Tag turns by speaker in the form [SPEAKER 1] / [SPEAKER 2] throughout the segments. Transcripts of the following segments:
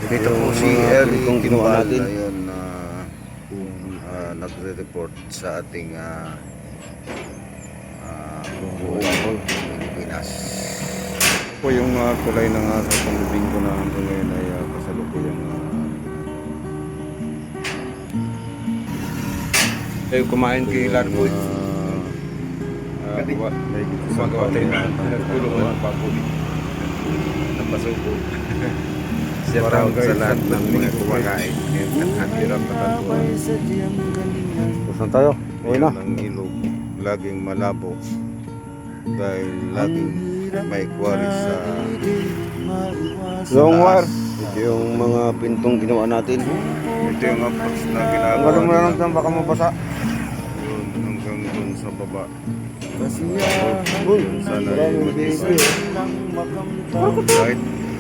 [SPEAKER 1] Dito po si Eli Timbal ngayon na nagre-report sa ating buong Pilipinas.
[SPEAKER 2] Po yung kulay ng sa pamibing ko na hanggang ngayon ay kasalukuyang
[SPEAKER 3] kumain kay Larboy.
[SPEAKER 2] Gumagawa tayo na
[SPEAKER 3] tulungan ng pagkulit.
[SPEAKER 1] Napasuko. Shout out sa lahat ng mga kumakain. At hirap na kantuan.
[SPEAKER 2] Saan tayo? Uwi na.
[SPEAKER 1] Ang ilog laging malabo dahil laging may quarry sa
[SPEAKER 2] Long wire.
[SPEAKER 1] ito yung mga pintong ginawa natin.
[SPEAKER 2] Ito yung approach na
[SPEAKER 1] Ang
[SPEAKER 2] ginagawa.
[SPEAKER 1] alam mo na lang
[SPEAKER 2] baka mabasa.
[SPEAKER 1] yun hanggang dun sa baba.
[SPEAKER 2] Uy,
[SPEAKER 1] Sana
[SPEAKER 2] maraming
[SPEAKER 1] mag-isa.
[SPEAKER 2] baby.
[SPEAKER 1] Right?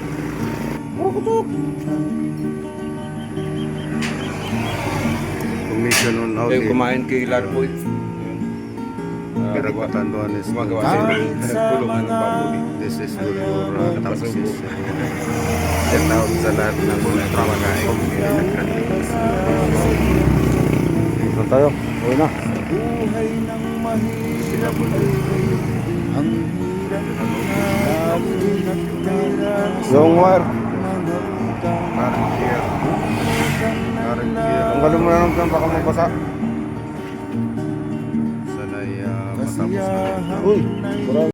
[SPEAKER 1] Commission on audit.
[SPEAKER 3] Kumain kay Larboy.
[SPEAKER 1] Pinagpatanduan is
[SPEAKER 3] Gumagawa tayo ng tulungan ng pagkulit.
[SPEAKER 1] this is for your taxes. Shout out sa lahat ng mga kumakain.
[SPEAKER 2] Saan tayo? Uwi na. Long wire.
[SPEAKER 1] Current year.
[SPEAKER 2] Ang galing mo na lang dyan, baka mabasa.
[SPEAKER 1] Sana'y matapos na rin.
[SPEAKER 2] Uy,